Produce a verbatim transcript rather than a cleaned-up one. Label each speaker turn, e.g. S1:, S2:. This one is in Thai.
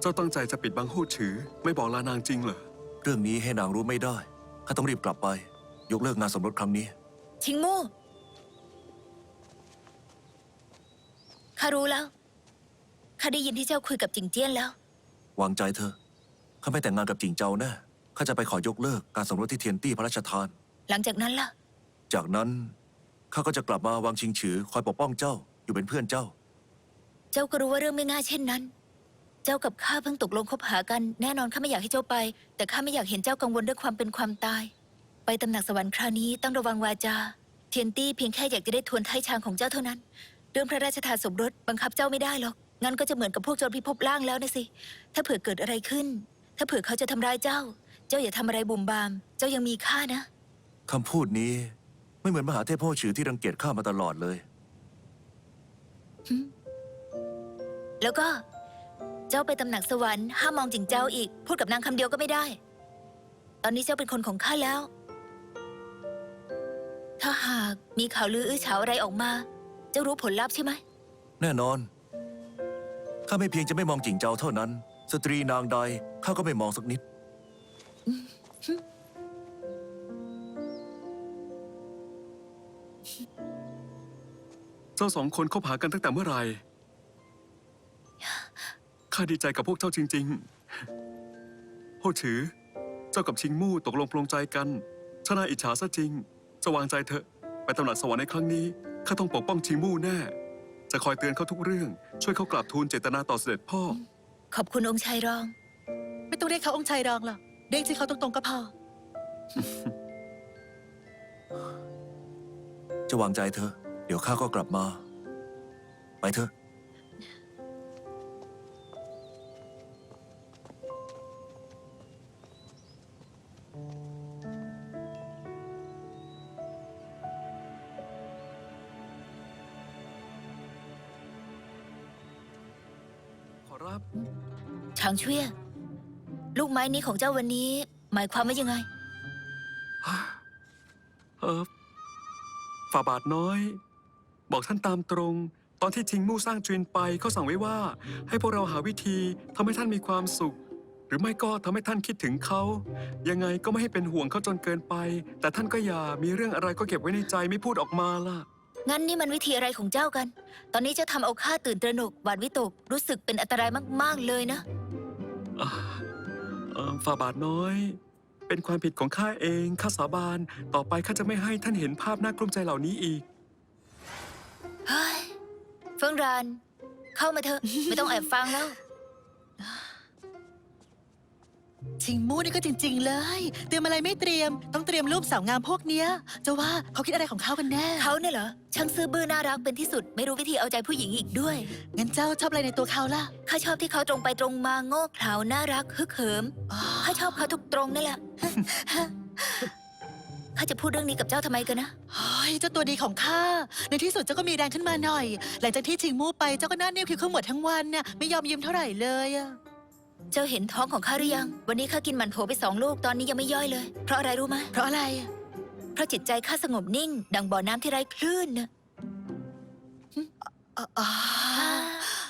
S1: เจ้าตั้งใจจะปิดบังหู้ฉือไม่บอกลานางจริงเหรอ
S2: เรื่องนี้ให้นางรู้ไม่ได้ข้าต้องรีบกลับไปยกเลิกงานสมรสครั้งนี้
S3: ชิงมู่ข้ารู้แล้วข้าได้ยินที่เจ้าคุยกับจิงเจี้ยนแล้ว
S2: วางใจเธอข้าไม่แต่งงานกับจิงเจ้าแน่ข้าจะไปขอยกเลิกการสมรสที่เทียนตี้พระราชทาน
S3: หลังจากนั้นล่ะ
S2: จากนั้นข้าก็จะกลับมาวังชิงฉือคอยปกป้องเจ้าอยู่เป็นเพื่อนเจ้า
S3: เจ้าก็รู้ว่าเรื่องไม่ง่ายเช่นนั้น เจ้ากับข้าเพิ่งตกลงคบหากันแน่นอนข้าไม่อยากให้เจ้าไปแต่ข้าไม่อยากเห็นเจ้ากังวลเรื่องความเป็นความตายไปตำหนักสวรรค์คราวนี้ต้องระวังวาจาเทียนตี้เพียงแค่อยากจะได้ทวนไถ่ชางของเจ้าเท่านั้นเรื่องพระราชทานสมรสบังคับเจ้าไม่ได้หรอกงั้นก็จะเหมือนกับพวกโจรพิภพล่างแล้วนะสิถ้าเผื่อเกิดอะไรขึ้นถ้าเผื่อเขาจะทำร้ายเจ้าเจ้าอย่าทำอะไรบุ่มบามเจ้ายังมีค่านะ
S2: คำพูดนี้ไม่เหมือนมหาเทพโพฉือที่รังเกียจข้ามาตลอดเลย
S3: แล้วก็เจ้าไปตำหนักสวรรค์ห้ามมองจิงเจ้าอีกพูดกับนางคำเดียวก็ไม่ได้ตอนนี้เจ้าเป็นคนของข้าแล้วถ้าหากมีข่าวลืออื้อฉาวอะไรออกมาเจ้ารู้ผลลัพธ์ใช่ไหม
S2: แน่นอนข้าไม่เพียงจะไม่มองจิงเจ้าเท่านั้นสตรีนางใดข้าก็ไม่มองสักนิด
S1: เจ้าสองคนคบหากันตั้งแต่เมื่อไหร่ข้าดีใจกับพวกเจ้าจริงๆโฮฉือเจ้ากับชิงมู่ตกลงปลงใจกันชนะอิจฉาซะจริงจะวางใจเถอะไปตำหนักสวรรค์ในครั้งนี้ข้าต้องปกป้องชิงมู่แน่จะคอยเตือนเขาทุกเรื่องช่วยเขากราบทูลเจตนาต่อเสด็จพ่อ
S3: ขอบคุณองค์ชายรอง
S4: ไม่ต้องเรียกเขาองค์ชายรองหรอกเรียกชื่อเขาตรงๆก็พอ
S2: จะวางใจเธอเดี๋ยวข้าก็กลับมาไปเถอะ
S1: ขอรับ
S3: ช้างเชี่ยลูกไม้นี้ของเจ้าวันนี้หมายความว่ายังไง
S1: เออฝ่าบาทน้อยบอกท่านตามตรงตอนที่ชิงมู่สร้างจีนไปเขาสั่งไว้ว่าให้พวกเราหาวิธีทำให้ท่านมีความสุขหรือไม่ก็ทำให้ท่านคิดถึงเขายังไงก็ไม่ให้เป็นห่วงเขาจนเกินไปแต่ท่านก็อย่ามีเรื่องอะไรก็เก็บไว้ในใจไม่พูดออกมาล่ะ
S3: งั้นนี่มันวิธีอะไรของเจ้ากันตอนนี้เจ้าทำเอาข้าตื่นตระหนกหวาดวิตกรู้สึกเป็นอันตรายมากๆเลยนะ
S1: ฝ่าบาทน้อยเป็นความผิดของข้าเองข้าสาบานต่อไปข้าจะไม่ให้ท่านเห็นภาพน่ากลุ้มใจเหล่านี้อีก
S3: เฮ้ยเฟิงรานเข้ามาเถอะ ไม่ต้องแอบฟังแล้ว
S4: ชิงมู่นี่ก็จริงๆเลยเตรียมอะไรไม่เตรียมต้องเตรียมรูปสาวงามพวกเนี้ยจะว่าเขาคิดอะไรของเขากันแน่
S3: เขาเนี่ยเหรอช่างซื่อบื้อน่ารักเป็นที่สุดไม่รู้วิธีเอาใจผู้หญิงอีกด้วย
S4: งั้นเจ้าชอบอะไรในตัวเขาล่ะ
S3: ข้าชอบที่เขาตรงไปตรงมาโง่เขลาน่ารักฮึกเหิมข้าชอบเขาทุกตรงนั่นแหละข้าจะพูดเรื่องนี้กับเจ้าทำไมกันนะ
S4: เฮ้ยเจ้าตัวดีของข้าในที่สุดเจ้าก็มีแรงขึ้นมาหน่อยหลังจากที่ชิงมู่ไปเจ้าก็หน้านิ้วคิ้วขมวดทั้งวันน่ะไม่ยอมยิ้มเท่าไหร่เลยอะ
S3: เจ้าเห็นท้องของข้าหรือยังวันนี้ข้ากินหมันโถไปสองลูกตอนนี้ยังไม่ย่อยเลยเพราะอะไรรู้ไหม
S4: เพราะอะไร
S3: เพราะจิตใจข้าสงบนิ่งดังบ่อน้ำที่ไร้คลื่นนะ